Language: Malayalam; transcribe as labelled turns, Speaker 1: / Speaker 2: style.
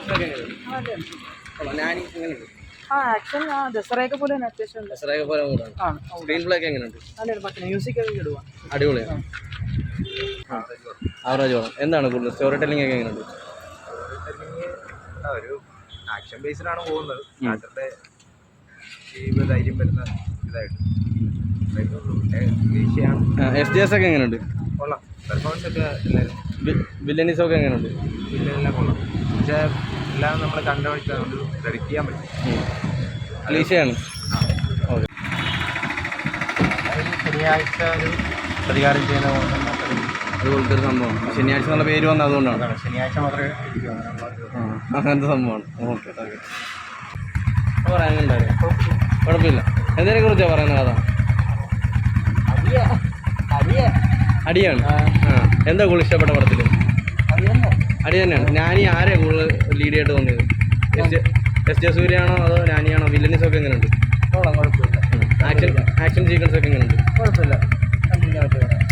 Speaker 1: നാനി എങ്ങനെയുണ്ട്?
Speaker 2: ആക്ഷൻ ദസറയൊക്കെ പോലെ തന്നെ അത്യാവശ്യം
Speaker 1: ദസറയൊക്കെ പോലെ കൂടാണ്. സ്ക്രീൻ പ്ലേ ഒക്കെ എങ്ങനെയുണ്ട്?
Speaker 2: മ്യൂസിക് ഒക്കെ ഇടുക
Speaker 1: അടിപൊളിയാണ്. ആവറേജ് വേണം. എന്താണ് കൂടുതൽ സ്റ്റോറി ടെല്ലിംഗ് ഒക്കെ എങ്ങനെയുണ്ട്?
Speaker 3: ഒരു ആക്ഷൻ ബേസിലാണ് പോകുന്നത്. നാട്ടിലെ ധൈര്യം വരുന്ന ഇതായിട്ട്
Speaker 1: SJS ഒക്കെ എങ്ങനെയുണ്ട്?
Speaker 3: കൊള്ളാം. പെർഫോമൻസ് ഒക്കെ എല്ലാവരും
Speaker 1: വില്ലനീസ് ഒക്കെ എങ്ങനെയുണ്ട്?
Speaker 3: എല്ലാം കൊള്ളാം. പക്ഷേ എല്ലാം നമ്മൾ കണ്ടുപിടിച്ചാൽ നമുക്ക് പ്രെഡിക്റ്റ് ചെയ്യാൻ പറ്റും.
Speaker 1: ക്ലീശയാണ്. ഓക്കെ.
Speaker 3: ശനിയാഴ്ച ഒരു പ്രതികാരം ചെയ്യുന്ന
Speaker 1: അതുപോലത്തെ ഒരു സംഭവമാണ്. ശനിയാഴ്ച നല്ല പേര് വന്നത് അതുകൊണ്ടാണ്.
Speaker 3: ശനിയാഴ്ച മാത്രമേ
Speaker 1: അങ്ങനത്തെ സംഭവമാണ്. Okay okay. പറയാനുണ്ടായിരുന്നു. കുഴപ്പമില്ല. എന്തിനെ കുറിച്ചാണ് പറയുന്നത്? കഥ അടിയാണ്. എന്താ കൂടുതൽ ഇഷ്ടപ്പെട്ട പടത്തിൽ? അടി തന്നെയാണ്. നാനി ആരെയാണ് കൂടുതൽ ലീഡ് ആയിട്ട് തോന്നിയത്? എസ് ജെ സൂര്യയാണോ അതോ നാനിയാണോ? വില്ലനീസ് ഒക്കെ എങ്ങനെയുണ്ട്?
Speaker 2: കുഴപ്പമില്ല.
Speaker 1: ആക്ഷൻ സീക്വൻസ് ഒക്കെ എങ്ങനെയുണ്ട്?
Speaker 2: കുഴപ്പമില്ല.